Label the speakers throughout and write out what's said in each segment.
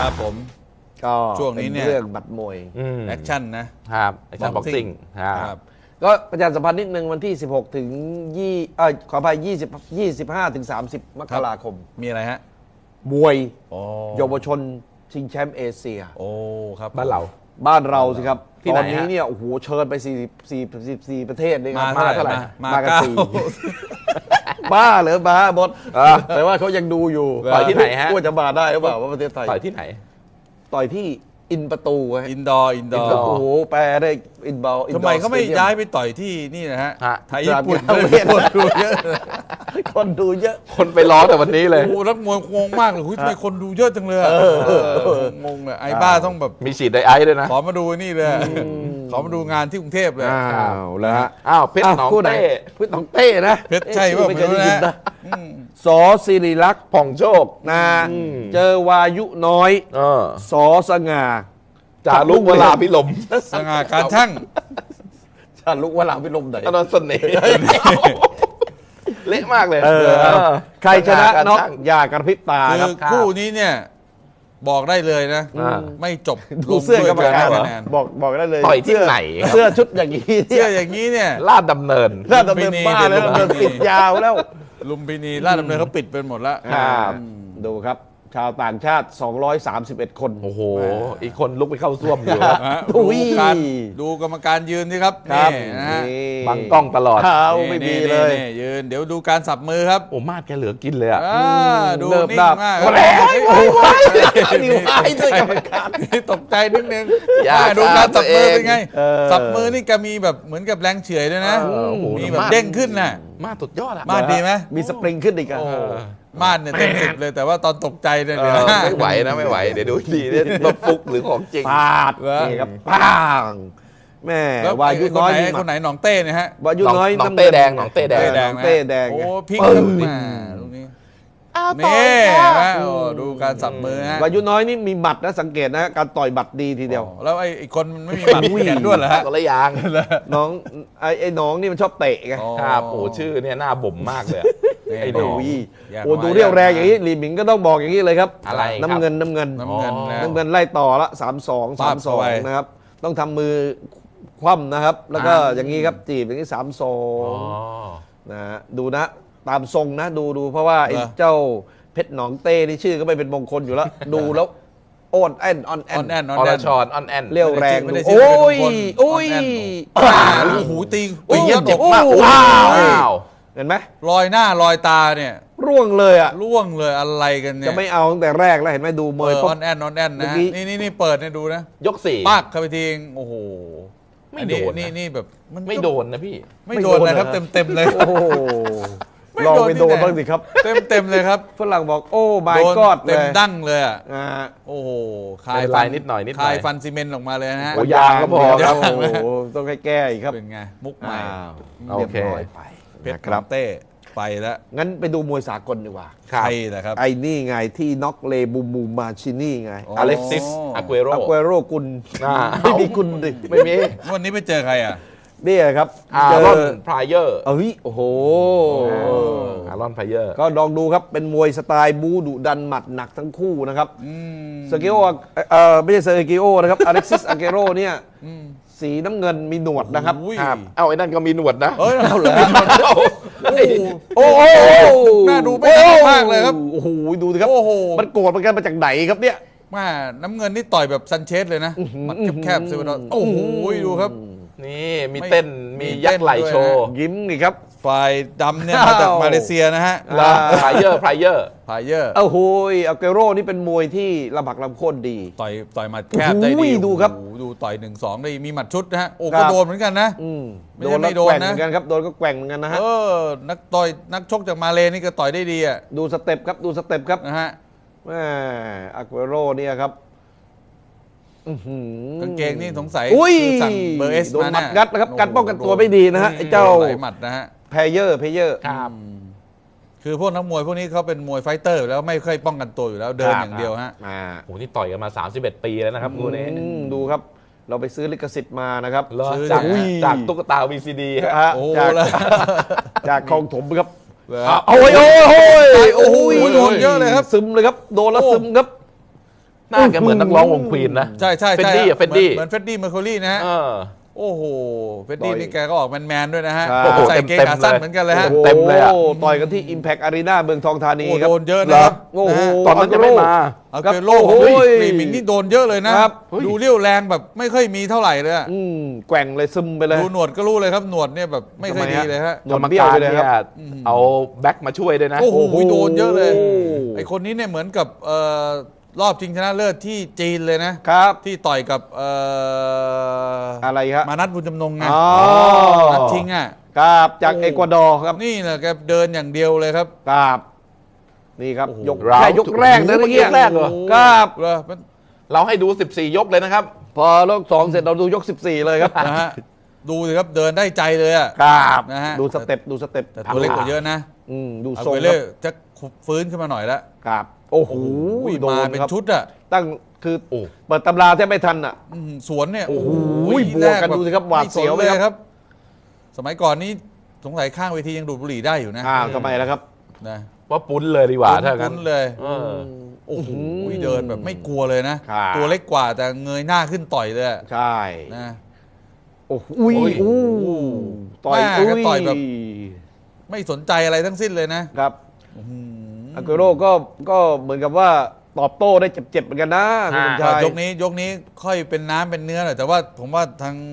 Speaker 1: ครับผม
Speaker 2: ก็
Speaker 1: ช่วงนี้เนี่ย
Speaker 2: เรื่องบัตรมวย
Speaker 1: แอคชั่นนะครับ
Speaker 3: แอคชั่นบ็อกซิ่ง
Speaker 1: ครับ
Speaker 2: ก็ประชาสัมพันธ์นิดนึงวันที่ 16 ถึงขออภัย25 ถึง 30 มกราคม
Speaker 1: มีอะไรฮะ
Speaker 2: มวย
Speaker 1: โอ้
Speaker 2: เยาวชนชิงแชมป์เอเชีย
Speaker 1: โอ้ครับ
Speaker 3: บ้านเรา
Speaker 2: บ้านเราสิครับ
Speaker 3: ที่
Speaker 2: ต
Speaker 3: ไหน
Speaker 2: อนนี้
Speaker 3: ฮะ
Speaker 2: เนี่ยโอ้โหเชิญไป44ประเทศเลยค
Speaker 1: มา
Speaker 2: รับ
Speaker 1: เท่าไหร่
Speaker 2: มากัน
Speaker 1: เก้า
Speaker 2: สี่บ้าเหรอบ้าบดแต่ว่าเขายังดูอยู่
Speaker 3: ต่อยที่ไหนฮะ
Speaker 2: ว่าจะมาได้หรือเปล่าว่าประเทศไทย
Speaker 3: ต่อยที่ไหน
Speaker 2: ต่อยที่อินประตูฮะ
Speaker 1: อินดอร์
Speaker 2: โอ้โหแปลได้อินบอล
Speaker 1: ทำไมเขาไม่ย้ายไปต่อยที่นี่นะฮะ
Speaker 3: ฮะ
Speaker 1: ไทยญี่ปุ่น
Speaker 2: ต่างประเทศ
Speaker 1: คนดูเยอะ
Speaker 2: คนดูเยอะ
Speaker 3: คนไปล้อแต่วันนี้เลย
Speaker 1: โอ้โหนักมวยงงมากเลยทำไมคนดูเยอะจังเลยงงเลยไอ้บ้าต้องแบบ
Speaker 3: มีฉีดไดไอซ์ด้วยนะ
Speaker 1: ขอมาดูนี่เลยขอมาดูงานที่กรุงเทพเลย
Speaker 2: อ้าวแล้วฮะ
Speaker 3: อ้าวเพชรหนอง
Speaker 2: คู่ไห
Speaker 3: เต้
Speaker 2: เพชรหนองเต้นะ
Speaker 1: เพชรใช่ป่ะ
Speaker 2: ไม่เคยได้ยิน
Speaker 1: ไม่รู้
Speaker 2: นะ
Speaker 1: นะ
Speaker 2: สอศิริลักษณ์
Speaker 3: ผ่องโชค
Speaker 2: นะเจอวายุน้อย สอสง่า
Speaker 3: จารุกเวลาพิลม
Speaker 1: สง่าการช่าง
Speaker 2: ชาลุกวลาพิลมไหน
Speaker 3: อนันต์เสน่ห์เละมากเลย
Speaker 2: ใครชนะน็อก
Speaker 3: ช่าง
Speaker 2: อย่ากระพริบตา
Speaker 1: คื
Speaker 2: ครับ
Speaker 1: อคู่นี้เนี่ยบอกได้เลยนะ ไม่จบ
Speaker 2: ดูเสื้อกรรมการ
Speaker 1: ลงด้วยคะแนน
Speaker 2: บอกได้เลย
Speaker 3: ต่อยที่ไหนครับ
Speaker 2: เสื้อชุดอย่างนี้
Speaker 1: เสื้ออย่างนี้เนี่ย
Speaker 3: ลาดดำเนิน
Speaker 2: น่าดำเนินบ้าแล้วดำเนินปิดยาวแล้ว
Speaker 1: ลุมพินีลาดดำเนินเขาปิดเป็นหมดแล้ว
Speaker 3: ครับ
Speaker 2: ดูครับ ชาวต่างชาติ 231 คน
Speaker 3: โอ้โห อีกคนลุกไปเข้าซ่วมอยู่ครับ
Speaker 1: ฮะ
Speaker 2: อุ้ย
Speaker 1: ดูกรรมการยืนสิครับ
Speaker 2: ครับ
Speaker 1: นี่นะฮะ
Speaker 3: บังกล้องตลอด
Speaker 2: เท้าไม่มีเลย
Speaker 1: นี่ยืนเดี๋ยวดูการสับมือครับ
Speaker 3: โอ้มาดแกเหลือกินเลยอ่ะ
Speaker 1: ดู
Speaker 2: เนิบ
Speaker 1: นิ่ง
Speaker 2: นาบ
Speaker 1: มาก
Speaker 2: โอ้โห นิ้วหายด้วยกรรมการ
Speaker 1: นี่ตกใจนิดนึง
Speaker 3: อย่า
Speaker 1: ดูการสับมือเป็นไง
Speaker 2: เออ
Speaker 1: สับมือนี่ก็มีแบบเหมือนกับแรงเฉื่อยด้วยนะ
Speaker 3: โอ้โห
Speaker 1: มีแบบเด้งขึ้นน่ะ
Speaker 3: มาดสุดยอดอ่ะ
Speaker 1: มาดดีไหม
Speaker 2: มีสปริงขึ้นอีกอะ
Speaker 3: โอ้
Speaker 1: มาดเนี่ยเต็มสิบเลยแต่ว่าตอนตกใจเนี่ยเดี๋ยว
Speaker 3: ไม่ไหวนะไม่ไหว เดี๋ยวดูดีเนี่ยรถฟุกหรือของจริง
Speaker 2: ปาด
Speaker 1: เหรอ
Speaker 2: นี่ครับป้างแม่
Speaker 1: แล้ว
Speaker 2: วายุน้อย
Speaker 1: คนไหนหนองเต้เนี่ยฮะ
Speaker 2: วายุน้อย
Speaker 3: หนองเต้แดงหนองเต้แดง
Speaker 2: หนองเต้แดง
Speaker 1: โอ้พลิก
Speaker 2: ปึ้
Speaker 1: ขึ้
Speaker 2: ง
Speaker 1: นมาตรงนี้นี่เห็นไหมโอ้ดูการสับมือฮะ
Speaker 2: วายุน้อยนี่มีบัตรนะสังเกตนะการต่อยบัตรดีทีเดียว
Speaker 1: แล้วไอ้คนมันไม่มีบัตรแขนด้วนเหรอฮะ
Speaker 3: ก็ละยาง
Speaker 2: น้องไอ้น้องนี่มันชอบเตะไง
Speaker 3: ครับโอ้ชื่อเนี่ยหน้าบ่มมากเลยอะ
Speaker 1: นี่
Speaker 3: ไอ้หนอง
Speaker 2: โอ้ย
Speaker 1: แยก
Speaker 2: โอ้
Speaker 1: มา
Speaker 2: ดูเรียวแรงอย่างนี้ลีหมิงก็ต้องบอกอย่างนี้เลยครับ
Speaker 3: อะไรครับ
Speaker 2: น้ำเงินน้ำเงิน
Speaker 1: น้ำเงินนะ
Speaker 2: น้ำเงินไล่ต่อละ3-2
Speaker 1: ปาบเข้าไป
Speaker 2: 3-2นะครับต้องทำมือคว่ำนะครับ แล้วก็อย่างนี้ครับจีบอย่างนี้
Speaker 3: อ๋อ
Speaker 2: 3-2นะฮะดูนะตามทรงนะดูเพราะว่าไอ้เจ้าเพชรหนองเต้นี่ชื่อก็ไม่เป็นมงคลอยู่แล้ว ดูแล้วโอนแอนออนแอ
Speaker 1: ออน นแอนออน
Speaker 3: อ
Speaker 1: แอ
Speaker 3: ร
Speaker 1: น
Speaker 3: ชรออนแอน
Speaker 2: เรียวแรง
Speaker 1: ไม่ได้
Speaker 2: ดู
Speaker 1: ชื่อ
Speaker 2: โอ้ย
Speaker 1: เป็นมงคล
Speaker 2: โอ้ย
Speaker 1: ออนแอนโอ้โหตี
Speaker 2: โอ้ย
Speaker 1: เยี่ยม
Speaker 2: เจ็บ
Speaker 1: มาก
Speaker 3: ว้าว
Speaker 2: เห็นไหม
Speaker 1: รอยหน้ารอยตาเนี่ย
Speaker 2: ร่วงเลยอ่ะ
Speaker 1: ร่วงเลยอะไรกันเนี่ย
Speaker 2: จะไม่เอาตั้งแต่แรกแล้วเห็นไหมดูมวย
Speaker 1: อ
Speaker 2: ปุ๊บ
Speaker 1: อนแอนออนแอน
Speaker 2: เมื่
Speaker 1: นะ
Speaker 2: อกี้
Speaker 1: นี่เปิดเนี่ยดูนะ
Speaker 3: ยกสี่
Speaker 1: ปักเข้าไปทีงโอ้โห
Speaker 3: ไม่โดนนะ
Speaker 1: นี่แบบมัน
Speaker 3: ไม่โดนนะพี่
Speaker 1: ไม่โดนนะครับเต็มเลย
Speaker 2: โอ้โห
Speaker 1: ไม่
Speaker 2: ลอง
Speaker 1: โดน
Speaker 2: ไป
Speaker 1: ที่
Speaker 2: โดน
Speaker 1: ไหน
Speaker 2: บ้างสิครับ
Speaker 1: เต็มเลยครับ
Speaker 2: ฝรั่งบอกโอ้
Speaker 1: โด
Speaker 2: my
Speaker 1: น
Speaker 2: god
Speaker 1: เต็ม
Speaker 2: เลย
Speaker 1: ดั้งเลยอ่ะ
Speaker 2: อ่า
Speaker 1: โอ้โห
Speaker 3: เป็นลายนิดหน่อยนิดหน่อย
Speaker 1: คายฟันซีเมนต์ออกมาเลยนะฮะ
Speaker 3: โอ้ยางก็พอครับ
Speaker 2: โอ้โหต้องให้แก้อีกครับ
Speaker 1: เป็นไงมุกใหม่
Speaker 2: อ้าว
Speaker 3: โอ
Speaker 2: เรียบ
Speaker 3: เค
Speaker 2: ร้อยไป
Speaker 1: เพชร
Speaker 2: นะ
Speaker 1: เต้ไปแล้ว
Speaker 2: งั้นไปดูมวยสากลดีกว่า
Speaker 1: ใครนะครับ
Speaker 2: ไอ้นี่ไงที่น็อกเลบูมูมาชินี่ไง
Speaker 1: โอ้
Speaker 3: อเล็กซิสอากุเอโร
Speaker 2: อากุเอโรกุล
Speaker 3: อ่า
Speaker 2: ไม่มีกุลดิ
Speaker 3: ไม่มี
Speaker 1: วันนี้ไปเจอใครอ่ะ
Speaker 2: เนี่ยครับ
Speaker 3: อารอนพรายเยอร์
Speaker 2: เอ้ยโอ้โห
Speaker 3: อารอนพรายเยอร์
Speaker 2: ก็ลองดูครับเป็นมวยสไตล์บูดุดันหมัดหนักทั้งคู่นะครับเซอร์กิโอไม่ใช่เซอร์กิโอนะครับอเล็กซิสอาเกโรเนี่ยสีน้ำเงินมีหนวดนะครับ
Speaker 1: อุ้ย
Speaker 3: ครับเอาไอ้นั่นก็มีหนวดนะ
Speaker 1: เอ้ยเอาเหรอ
Speaker 2: โอ้โห
Speaker 1: น่าดูไม่น่ามากเลยครับ
Speaker 2: โอ้โหดูสิครับ
Speaker 1: โอ้โห
Speaker 2: มันโกรธมันกันมาจากไหนครับเนี่ย
Speaker 1: มาน้ำเงินนี่ต่อยแบบซันเชสเลยนะหมัดแคบๆเซเวดอนโอ้โหดูครับ
Speaker 3: นี่มีเต้นมียักษ์ไหลโชว์
Speaker 2: ยิ้มนี่ครับ
Speaker 1: ฝ่ายดำเนี่ยมาจากมาเลเซียนะฮะ
Speaker 3: แล้วพรายเยอร์พรายเยอร์
Speaker 1: พายเยอร์
Speaker 2: โอ้โหอาเกโรนี่เป็นมวยที่ลำหักลำโค่นดี
Speaker 1: ต่อยหมัดแคบได้
Speaker 2: โอ้
Speaker 1: ดี
Speaker 2: โหดูครับ
Speaker 1: โอ้โหดูต่อย1-2ได้มีหมัดชุดนะฮะโอ้
Speaker 2: ครั
Speaker 1: ก็
Speaker 2: บ
Speaker 1: โดนเหมือนกันนะ ไม่
Speaker 2: โด
Speaker 1: ใช่
Speaker 2: น
Speaker 1: ไม่
Speaker 2: แล้ว
Speaker 1: โดน
Speaker 2: แกว่งเห
Speaker 1: นะ
Speaker 2: มือนกันครับโดนก็แกว่งเหมือนกันนะฮะ
Speaker 1: นักชกจากมาเลนี่ก็ต่อยได้ดีอ่ะ
Speaker 2: ดูสเต็ปครับดูสเต็ปครับ
Speaker 1: นะฮะ
Speaker 2: แม่อาเกโรเนี่ยครับอื้อหือก
Speaker 1: างเกงนี่สงสัย
Speaker 2: อุ้ย
Speaker 1: คือสั่งเบอร์เอส
Speaker 2: โดน
Speaker 1: มา
Speaker 2: หมั
Speaker 1: เนี่
Speaker 2: ด
Speaker 1: ย
Speaker 2: งัดนะครับการป้องกันตัวไม่ดีนะฮะไอ้เจ้า
Speaker 1: หลายหมัดนะฮะ
Speaker 2: เพเยอร์
Speaker 3: ครับ
Speaker 1: คือพวกนักมวยพวกนี้เขาเป็นมวยไฟเตอร์อยู่แล้วไม่ค่อยป้องกันตัวอยู่แล้วเดินอย่างเดียวฮะ
Speaker 3: โหนี่ต่อยกันมา 31 ปีแล้วนะครับคู่นี้
Speaker 2: ดูครับ เราไปซื้อลิขสิทธิ์มานะครับ
Speaker 3: เหรอ
Speaker 1: ซื้อ
Speaker 3: จาก
Speaker 1: อุ้ย
Speaker 3: จากตุ๊กตา VCD ฮะ
Speaker 2: ฮะ
Speaker 1: โอ้
Speaker 2: จาก
Speaker 1: แล้ว
Speaker 2: จากคลองถมครับ
Speaker 1: เหรอ
Speaker 2: โอ้ยโอ้ย
Speaker 1: โอ้โหโดนเยอะเลยครับ
Speaker 2: ซึมเลยครับโดนแล้วซึมครับ
Speaker 3: หน้าแกเหมือนนักร้องวงควีนนะ
Speaker 1: ใช่ใช่
Speaker 3: เฟด
Speaker 1: ใช่
Speaker 3: ดี้อะเฟดดี้
Speaker 1: เหมือนเฟดดี้เมอร์คิวรีนะฮะ
Speaker 3: เออ
Speaker 1: โอ้โหเฟดดี้
Speaker 2: ต่อย
Speaker 1: นี่แกก็ออกแมนๆด้วยนะฮะ
Speaker 2: ใช่
Speaker 1: ใส่เกงขาสั้นเหมือนกันเลยฮะ
Speaker 3: เต็มเลยอะ
Speaker 2: โโหต่อยกันที่ Impact Arena เมืองทองธานี
Speaker 1: โอ้
Speaker 2: ครับ
Speaker 1: โดนเยอะนะครับ
Speaker 2: โอ้โห
Speaker 1: นะฮะ
Speaker 3: ตอนนั้นจะไม่มา
Speaker 1: เอา
Speaker 2: ครับ
Speaker 1: เกโล
Speaker 2: โอ้
Speaker 1: ของ
Speaker 2: โห
Speaker 1: ฟรีมิงนี่โดนเยอะเลยนะครับ ดูเรี่ยวแรงแบบไม่ค่อยมีเท่าไหร่เลยอะ
Speaker 2: แกว่งเลยซึมไปเลย
Speaker 1: ดูหนวดก็รู้เลยครับหนวดเนี่ยแบบไม่ค่อยดีเลยฮะ
Speaker 2: หน
Speaker 3: กร
Speaker 2: วด
Speaker 3: รม
Speaker 2: เบี้ยว
Speaker 3: การ
Speaker 2: ไปเลย
Speaker 3: เนี่
Speaker 2: ค
Speaker 3: ย
Speaker 2: รับ
Speaker 3: เอาแบ็คมาช่วยด้วยนะ
Speaker 1: โอ้โหโดนเยอะเลย
Speaker 2: โอ้โห
Speaker 1: ไอคนนี้เนี่ยเหมือนกับรอบชิงชนะเลิศที่จีนเลยนะครับ ที่ต่อยกับ
Speaker 2: อะไรครับ
Speaker 1: มานัดบุญจำนงไง
Speaker 2: อ๋อ
Speaker 1: นัดชิงอ่ะ
Speaker 2: ครับจากเอกวาดอร์ครับ
Speaker 1: นี่แหละแกเดินอย่างเดียวเลยครับ
Speaker 2: ครับนี่ครับ
Speaker 1: โอ้โห
Speaker 2: ยก
Speaker 3: ราว
Speaker 2: แค่ยกแรกนะ
Speaker 3: โอ้โห
Speaker 2: เมื่อกี้
Speaker 3: ยกแรกเหรอ
Speaker 2: ครับ
Speaker 1: เหรอมัน
Speaker 3: เราให้ดู 14 ยกเลยนะครับ
Speaker 2: พอรอบสองเสร็จเราดูยก 14 เลยครับ
Speaker 1: นะฮะดูสิครับเดินได้ใจเลยอ่ะ
Speaker 2: ครับ
Speaker 1: นะฮะ
Speaker 2: ดูสเต็ปดูสเต็ป
Speaker 1: แต่ตัวเล็กกว่าเยอะนะ
Speaker 2: ดู
Speaker 1: เอา
Speaker 2: ทรง
Speaker 1: ไป
Speaker 2: ค
Speaker 1: เล่
Speaker 2: รับ
Speaker 1: จะฟื้นขึ้นมาหน่อยแล้ว
Speaker 2: ครับโอ้โหโด
Speaker 1: มาน เป็น
Speaker 2: ครับ
Speaker 1: ชุดอ่ะ
Speaker 2: ตั้งคือ
Speaker 3: โอ้
Speaker 2: เปิดตำราแทบไม่ทันอ่ะ
Speaker 1: สวนเนี่ย
Speaker 2: โอ้โห
Speaker 1: แร
Speaker 2: บวกกันดูสิครับหวาดเสียว
Speaker 1: ไม่สน
Speaker 2: เลยครับ
Speaker 1: สมัยก่อนนี้สงสัยข้างเวทียังดูดบุหรี่ได้อยู่นะ
Speaker 2: อ้าวทำไมล่ะครับ
Speaker 1: นะ
Speaker 3: ว่าปุ้นเลยดีกว่าถ้างั้น
Speaker 1: คุ้นเลย
Speaker 3: เออ
Speaker 1: โอ้โหเดินแบบไม่กลัวเลยนะ
Speaker 2: ครับ
Speaker 1: ตัวเล็กกว่าแต่เงยหน้าขึ้นต่อยเลยอะ
Speaker 2: ใช่
Speaker 1: นะ
Speaker 2: โอ้โหอุ้ย
Speaker 3: โอ้ย
Speaker 2: อู้ต่อย
Speaker 1: แม่ก็ต่อยแบบ ไม่สนใจอะไรทั้งสิ้นเลยนะครับ
Speaker 2: อากุโร่ก็เหมือนกับว่าตอบโต้ได้เจ็บๆเหมือนกันนะคุณสมชาย
Speaker 1: ยกนี้ค่อยเป็นน้ำเป็นเนื้อหน่อยแต่ว่าผมว่าทาง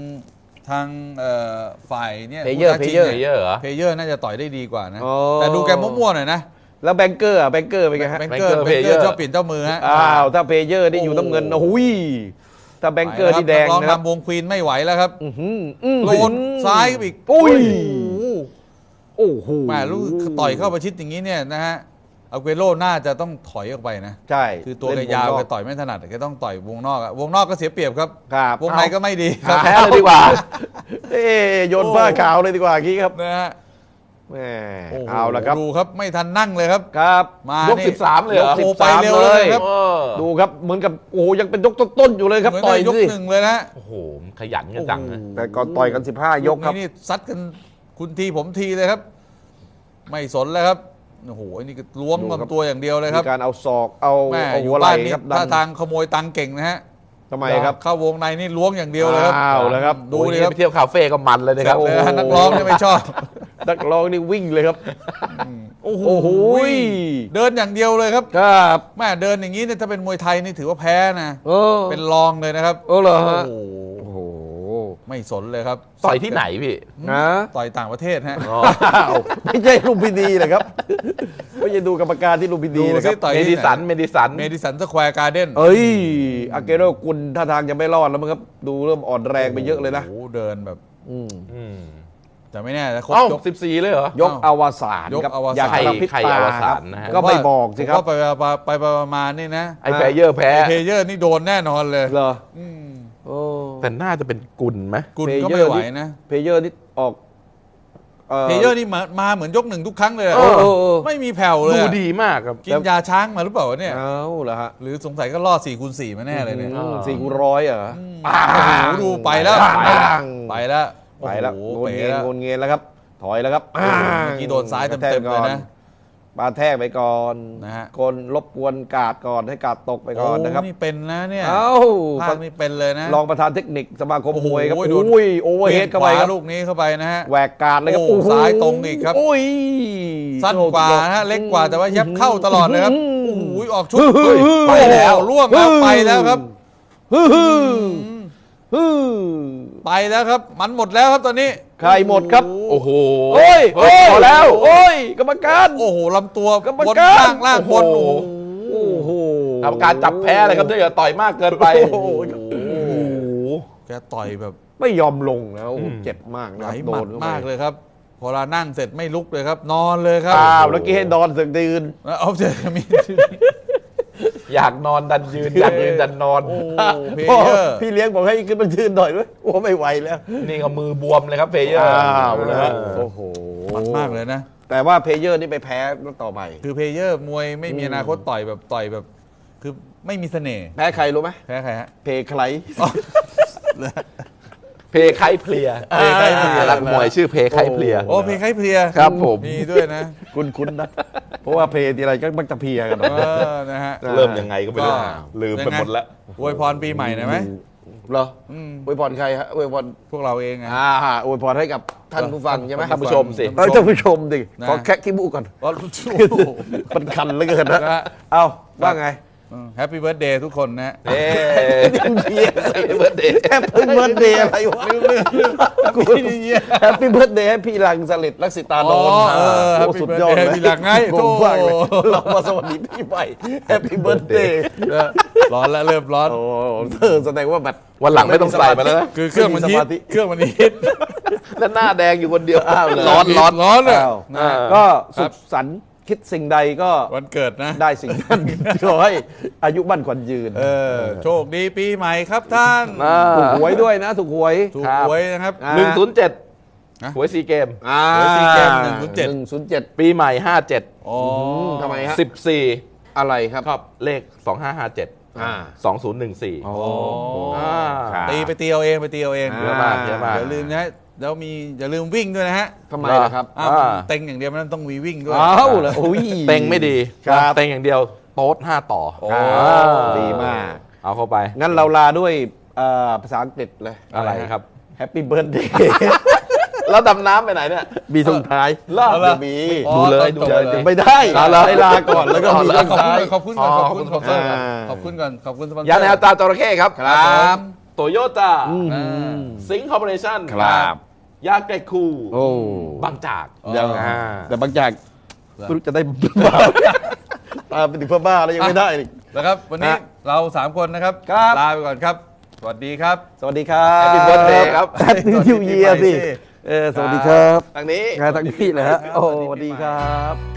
Speaker 1: ฝ่ายเนี่ย
Speaker 2: Player
Speaker 1: ผู้ท้าชิง
Speaker 3: เพลเยอร์เหรอ
Speaker 1: เพลเยอร์น่าจะต่อยได้ดีกว่านะ
Speaker 2: อ๋อ
Speaker 1: แต่ดูแกมั่วๆหน่อยนะ
Speaker 2: แล้วแบงเกอร์อะแบงเกอร์เป็นไงฮะ
Speaker 1: แบงเกอร์
Speaker 3: Banker Player
Speaker 1: ชอบเปลี่ยนเจ้ามือฮะ
Speaker 2: อ้าวถ้าเพเยอร์นี่อยู่น้ำเงินโอ้ยถ้าแบงเกอร์ที่แดง
Speaker 1: ร้อง
Speaker 2: นะครับ
Speaker 1: นำวงควีนไม่ไหวแล้วครับ โดนซ้ายอีก
Speaker 2: อุ้ย
Speaker 1: โอ้โห
Speaker 2: โอ้โห
Speaker 1: แม่ลูกต่อยเข้าประชิดอย่างนี้เนี่ยนะฮะอาเกโรน่าจะต้องถอยออกไปนะ
Speaker 2: ใช่
Speaker 1: คือตัวแก
Speaker 2: เล่น
Speaker 1: ยาว
Speaker 2: น
Speaker 1: แก
Speaker 2: อก
Speaker 1: ต่อยไม่ถนัดแกต้องต่อยวงนอกอะวงนอกก็เสียเปรียบครับ
Speaker 2: ครับ
Speaker 1: วงในก็ไม่ดีครับ
Speaker 3: แพ้เลยดีกว่า
Speaker 2: เอ้โยนผ้าขาวเลยดีกว่ากี้ครับ
Speaker 1: นะฮะ
Speaker 2: แหม
Speaker 1: โโห
Speaker 2: เอาละครับ
Speaker 1: ดูครับไม่ทันนั่งเลยครับ
Speaker 2: ครับ
Speaker 1: มาย
Speaker 3: ก
Speaker 1: นี่
Speaker 3: 13เลยเหรอ
Speaker 1: โอ้โหไปเร็วเลยครับ
Speaker 3: เออ
Speaker 2: ดูครับเหมือนกับโอ้โหยังเป็นยกต้นๆอยู่เลยครับ
Speaker 1: เหมือน
Speaker 2: ต่อย
Speaker 1: ได้ยก
Speaker 2: สิ
Speaker 1: หนึ่งเลยนะ
Speaker 3: โอ้โหขยันกันจังนะ
Speaker 2: แต่ก่อนต่อยกัน 15 ยกครับ
Speaker 1: นี่ซัดกันคุณทีผมทีเลยครับ ไม่สนแล้วครับโอ้โหอันนี้ก็ล้วง
Speaker 2: ดูครับ
Speaker 1: ลำตัวอย่างเดียวเลยครับ
Speaker 2: มีการเอาศอกเอา
Speaker 1: แม่
Speaker 2: เอา
Speaker 1: อยู่
Speaker 2: หัวไหล่
Speaker 1: บ้านนี่
Speaker 2: ครับ
Speaker 1: ถ้า
Speaker 2: ดัน
Speaker 1: ทางขโมยตังค์เก่งนะฮะ
Speaker 2: ทำไมครับ
Speaker 1: เข้าวงในนี่ล้วงอย่างเดียวเลยครับ
Speaker 2: อ้าวแล้วครับ
Speaker 1: ดู
Speaker 3: โอ้ย
Speaker 1: ดิครับ
Speaker 3: ไปเที่ยวคาเฟ่ก็มันเลยนะครับ
Speaker 1: เลยฮะนักร้องเนี่ยไม่ชอบ
Speaker 2: นักร้องนี่วิ่งเลยครับ
Speaker 1: โอ้โห
Speaker 2: โอ้โห
Speaker 1: เดินอย่างเดียวเลยครับ
Speaker 2: ครับ
Speaker 1: แม่เดินอย่างนี้เนี่ยถ้าเป็นมวยไทยนี่ถือว่าแพ้นะ
Speaker 2: เออ
Speaker 1: เป็นรองเลยนะครับ
Speaker 2: เออเหรอฮะ
Speaker 1: โอ้โห
Speaker 2: โอ้โห
Speaker 1: ไม่สนเลยครับ
Speaker 3: ต่อยที่ไหนพี่
Speaker 2: นะ
Speaker 1: ต่อยต่างประเทศฮะ
Speaker 3: อ๋อ
Speaker 2: อ้าวไม่ใช่ลุมพินีเหรอครับไม่ใช่ดูกรรมการที่ลุมพินี
Speaker 1: ดู
Speaker 2: นะค
Speaker 1: สิ
Speaker 2: รับ
Speaker 1: ต่อย
Speaker 3: เม
Speaker 1: ที่
Speaker 3: ดิ
Speaker 1: ไห
Speaker 3: สัน เมดิสัน
Speaker 1: เมดิสันสแควร์การ์เด้น
Speaker 2: เอ้ยอาเกโรกุลท่าทางจะไม่รอดแล้วมั้งครับ ดูเริ่มอ่อนแรงไปเยอะเลยนะ
Speaker 1: โอ้โหเดินแบบ
Speaker 2: อืม
Speaker 3: อืม
Speaker 1: แต่ไม่แน่นะครบ
Speaker 3: เอ้าย
Speaker 1: ก
Speaker 3: 14 เลยเหรอ
Speaker 2: ยกอวสาน
Speaker 1: ยก
Speaker 2: ครับ
Speaker 1: อวสาน
Speaker 2: อยากกระพริบ
Speaker 3: ใคร
Speaker 2: ตา
Speaker 3: อว
Speaker 2: ค
Speaker 3: สา
Speaker 2: รั
Speaker 3: น
Speaker 2: บ
Speaker 3: นะฮะ
Speaker 2: ก็ไม่บอกสิครับ
Speaker 1: ผมว่าไปมานี่นะ
Speaker 3: ไอ้เพลเยอร์แพ้
Speaker 1: เพลเยอร์นี่โดนแน่นอนเลย
Speaker 2: เหรอ
Speaker 1: อืม
Speaker 2: โอ้
Speaker 3: แต่น่าจะเป็นกุลไหม
Speaker 1: กุลก็ไม่ไหวนะ
Speaker 2: เพเยอร์นี่ออก
Speaker 1: เพลเยอร์นี่มาเหมือนยกหนึ่งทุกครั้งเลยอะ
Speaker 2: เออ
Speaker 1: ไม่มีแผ่วเลย
Speaker 3: ดู
Speaker 1: อะ
Speaker 3: ดีมากครับ
Speaker 1: กินยาช้างมาหรือเปล่าวะเนี่ย
Speaker 2: เอาเหรอฮะ
Speaker 1: หรือสงสัยก็รอด4x4มาแน่เลยเนี่ย
Speaker 3: อืม
Speaker 2: 400เหรอ
Speaker 1: โอ้โหดูไปแล้ว
Speaker 2: ปัง
Speaker 1: ไปแล้ว
Speaker 2: ไปแล้ว
Speaker 1: โอ้
Speaker 2: โง
Speaker 1: โห
Speaker 2: น
Speaker 1: เป๋
Speaker 2: เงียน
Speaker 1: แล้ว
Speaker 2: โงนเงียนแล้วครับ ถอยแล้วครับ
Speaker 1: เมื่อกี้โดนซ้ายเต็มๆเลยนะ
Speaker 2: ปาแทกไปก่อน
Speaker 1: นะฮะ
Speaker 2: คนรบกวนกาดก่อนให้กาดตกไปก่อนนะครับ
Speaker 1: โนี่เป็นนะเนี่ย
Speaker 2: เอ้า
Speaker 1: ภาคนี่เป็นเลยนะ
Speaker 2: รองประธานเทคนิคสมาคมมวยครับ
Speaker 1: โอ้โหโดน
Speaker 2: อุ้ยโอเวอร์เฮดเข้าไปครับ
Speaker 1: ลูกนี้เข้าไปนะฮะ
Speaker 2: แหวกกาดเลยครับ
Speaker 1: โอ้
Speaker 2: โอ้โห
Speaker 1: ซ้ายตรงอีกครับ
Speaker 2: อุ้ย
Speaker 1: สั้นกว่านะฮะเล็กกว่าแต่ว่ายับเข้าตลอดเลยครับโอ้โหออกชุด
Speaker 2: ฮึ่ม
Speaker 1: ไปแล้วล่วงแล้วไปแล้วครับ
Speaker 2: ฮึ่มฮึ่ม
Speaker 1: ไปแล้วครับ มันหมดแล้วครับตอนนี้
Speaker 2: ใครหมดครับ
Speaker 3: โอ้โห
Speaker 2: โอ้ย
Speaker 3: เฮ้ยพอแล้ว
Speaker 2: โอ้ยกรรมการ
Speaker 1: โอ้โหลำตัว
Speaker 2: กรรม
Speaker 1: บน
Speaker 2: การ
Speaker 1: ล่างบนโอ้โห
Speaker 2: โอ้โห
Speaker 3: กรรมการจับแพ้เลยครับถ้าเกิดต่อยมากเกินไป
Speaker 2: โอ้โห
Speaker 3: โอ้โห
Speaker 1: แกต่อยแบบ
Speaker 2: ไม่ยอมลงนะโอ้โห
Speaker 3: อืม
Speaker 2: เจ็บมาก
Speaker 1: ไห
Speaker 2: นะ
Speaker 1: ล
Speaker 2: ครับ
Speaker 1: ห
Speaker 2: โด
Speaker 1: มัด
Speaker 2: นเข้าไป
Speaker 1: มากเลยครับ พอเรานั่งเสร็จไม่ลุกเลยครับ นอนเลยครับ
Speaker 2: อ้าวแล้วกี้ให้ดอนเสึกยืน
Speaker 1: เอาเจอมี
Speaker 3: อยากนอนดันยืน อยากยืนดันนอน
Speaker 1: โอ้เพล
Speaker 2: พ่อ
Speaker 1: เยอร์
Speaker 2: พี่เลี้ยงบอกให้ขึ้นมายืนหน่อยด้วยโอ้ไม่ไหวแล้ว
Speaker 3: นี่ก็มือบวมเลยครับเพลเยอร์
Speaker 2: อ้าวนะฮะโอ้โห
Speaker 1: มันมากเลยนะ
Speaker 2: แต่ว่าเพลเยอร์นี่ไปแพ้ต่อไป
Speaker 1: คือเพลเยอร์มวยไม่มีอนาคตต่อยแบบ คือไม่มีเสน่ห์
Speaker 2: แพ้ใครรู้ไหม
Speaker 1: แพ้ใครฮะ
Speaker 2: เพลใคร
Speaker 3: เพไข้เพลีย
Speaker 1: เพไข้เพลีย
Speaker 3: นักมวยชื่อเพไข้เพลีย
Speaker 1: โอ้เพลใครเพลีย
Speaker 3: ครับผม
Speaker 1: มีด้วยนะ
Speaker 2: คุ้นๆนะเพราะว่าเพลงทีไรก็มักจะเพลียกัน
Speaker 1: นะฮะ
Speaker 3: เริ่มยังไงก็ไม่รู้
Speaker 1: ก็
Speaker 3: ลืมไปหมดแล้ว
Speaker 1: อวยพรปีใหม่หน่อยไหม
Speaker 2: เหรออวยพรใครฮะอวยพร
Speaker 1: พวกเราเองไง
Speaker 2: อวยพรให้กับท่านผู้ฟังใช่ไหม
Speaker 3: ท่านผู้ชมสิ
Speaker 2: ท่านผู้ชมดิ
Speaker 1: นะ
Speaker 2: ขอแคะขี้มูกก่อน
Speaker 1: ว่า
Speaker 2: มันคันเหลือเกินนะ
Speaker 1: นะฮะ
Speaker 2: เอาว่าไง
Speaker 1: แฮปปี้เบิร์ดเดย์ทุกคนนะฮะ
Speaker 3: เอ๊เบิร์ดเดย์
Speaker 2: แฮปปี้เบิร์ดเดย์อะไรวะกูแฮปปี้เบิร์ดเดย์ให้พี่ลังสลิดลักษิตานนท์
Speaker 1: อ๋อ
Speaker 2: โอ้
Speaker 1: Happy
Speaker 2: สุดยอดเลย
Speaker 1: Birthday พี่ลังไง
Speaker 2: งงมากเลยเรามาสวัสดีพี่ใหม่แฮปปี้เบิร์ดเดย์
Speaker 1: ร้อนแล้วเริ่มร้อน
Speaker 2: โอ้แสดงว่าแบบ
Speaker 3: วันหลังไม่ต้องใส่มาแล้วนะ
Speaker 1: คือเครื่องมันฮิต
Speaker 2: ไม่มีสมาธิ
Speaker 1: เครื่องมันฮิต
Speaker 3: แล้วหน้าแดงอยู่คนเดียว
Speaker 2: เลย
Speaker 3: ร้อน
Speaker 1: ร้อนเลย
Speaker 2: อ้าว
Speaker 1: นะ
Speaker 2: ก็
Speaker 1: ครั
Speaker 2: สุ
Speaker 1: บ
Speaker 2: ขสันต์คิดสิ่งใดก็
Speaker 1: วันเกิดนะ
Speaker 2: ได้สิ่งนั้นขอให้อายุมั่นขวัญยืน
Speaker 1: โชคดีปีใหม่ครับท่าน
Speaker 2: ถูกหวยด้วยนะถูกหวย
Speaker 1: ถูกหวยนะครับ
Speaker 2: อ่า
Speaker 3: 107หวยซีเกม
Speaker 1: หวยซีเกม
Speaker 2: 107
Speaker 3: ปีใหม่ 57
Speaker 1: อ๋อ
Speaker 2: ทำไมฮะ
Speaker 3: 14
Speaker 2: อะไรครับ
Speaker 3: ชอบเลข 2557
Speaker 2: อ่า
Speaker 3: 2014
Speaker 2: อ๋อ
Speaker 3: ครับ
Speaker 1: ตีไปตีเอาเองไปตีเอาเอง
Speaker 2: อ่า
Speaker 3: เยอะมากเยอะมาก
Speaker 1: อย่าลืมนะแล้วอย่าลืมวิ่งด้วยนะฮะ
Speaker 2: ทำไมล่ะครับ
Speaker 1: อ้าว
Speaker 3: อ่า
Speaker 1: เต็งอย่างเดียวมันต้องมีวิ่งด้วย
Speaker 2: อ้าวเหรอโอ้ย
Speaker 3: เต็งไม่ดี
Speaker 2: ครับ
Speaker 3: เต็งอย่างเดียวโต๊ด5 ต่อ
Speaker 1: โอ้
Speaker 2: ดีมาก
Speaker 3: เอาเข้าไป
Speaker 2: งั้นเราลาด้วยภาษาอังกฤษเลย
Speaker 3: อะไรครับ
Speaker 2: แฮปปี้เบิร์ดเดย์
Speaker 3: แล้วดำน้ำไปไหนเนี่ย
Speaker 2: มีส่งท้าย
Speaker 3: เลิก
Speaker 2: เดี๋ยวมี
Speaker 1: อ๋อ
Speaker 3: ดูเลย
Speaker 1: ตอนจบ
Speaker 3: ดูเลย
Speaker 2: ไม่ได้
Speaker 3: เอาเหรอ
Speaker 2: ให้ลาก่อนแล้วก็มี
Speaker 1: ข
Speaker 2: ส่
Speaker 1: อบ
Speaker 2: ง
Speaker 1: คุณ
Speaker 2: ท้าย
Speaker 1: ขอบคุณก่อนขอบคุณสปอนเซอร์ก่อน
Speaker 2: อ่า
Speaker 1: ขอบคุณก่อนขอบคุณสปอนเซอร์
Speaker 3: ยาแนวตาจระเข้ครับ
Speaker 1: ครับ
Speaker 3: โตโยต้า
Speaker 1: อ่า
Speaker 3: สิงห์คอร์ปอเรชั่น
Speaker 2: ครับ
Speaker 3: ยาไก่คู
Speaker 2: โอ้
Speaker 3: บางจาก
Speaker 2: ยัง
Speaker 3: อ่า
Speaker 2: แต่บางอย่างไม่รู้จะได้บ้าตามไปถึงเพื่อบ้าแล้วยังไม่ได้อีก
Speaker 1: นะครับวันนี้
Speaker 2: ฮะ
Speaker 1: เรา3คนนะครับ
Speaker 2: ครับ
Speaker 1: ลาไปก่อนครับ สวัสดีครับ
Speaker 2: สวัสดีครับ
Speaker 3: Happy birthday ครับ
Speaker 2: แฮปปี้นิวเยียร์สิสวัสดีครับ
Speaker 3: ทางนี้
Speaker 2: งานทั้งที่เลยฮะโอ้สวัสดีครับ